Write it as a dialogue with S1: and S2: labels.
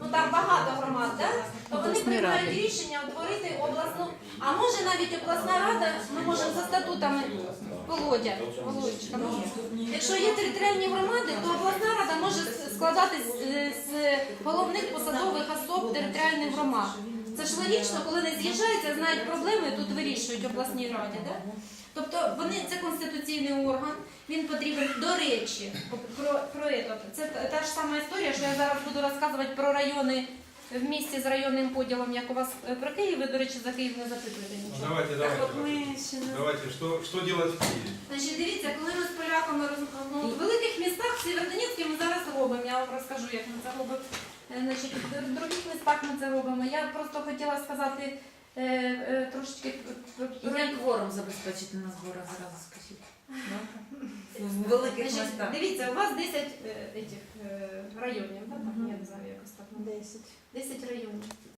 S1: ну там багато громад, да? То вони приймають рішення утворити обласну, а може навіть обласна рада, ми можемо за статутами Володя, Володечка, якщо є територіальні громади, то обласна рада може складатись з головних посадових особ територіальних громад. Це ж логічно, коли не з'їжджаються, знають проблеми, тут вирішують обласній раді. Да? Тобто це конституційний орган, він потрібен, до речі, це та ж сама історія, що я зараз буду розказувати про райони в місті з районним поділом, як у вас про Київ, ви, до речі, за Київ не запитуєте нічого.
S2: Давайте, що робити в Києві?
S1: Значить, дивіться, коли ми з поляками в великих містах, в Сєвєродонецьку ми зараз робимо, я вам розкажу, як ми це робимо. Значить, в других містах ми це робимо. Я просто хотіла сказати трошечки...
S3: Як кворум забезпечити на зборах, зразу скажіть? В великих містах.
S1: Дивіться, у вас 10 районів, так? Я не знаю, якось так. 10 районів.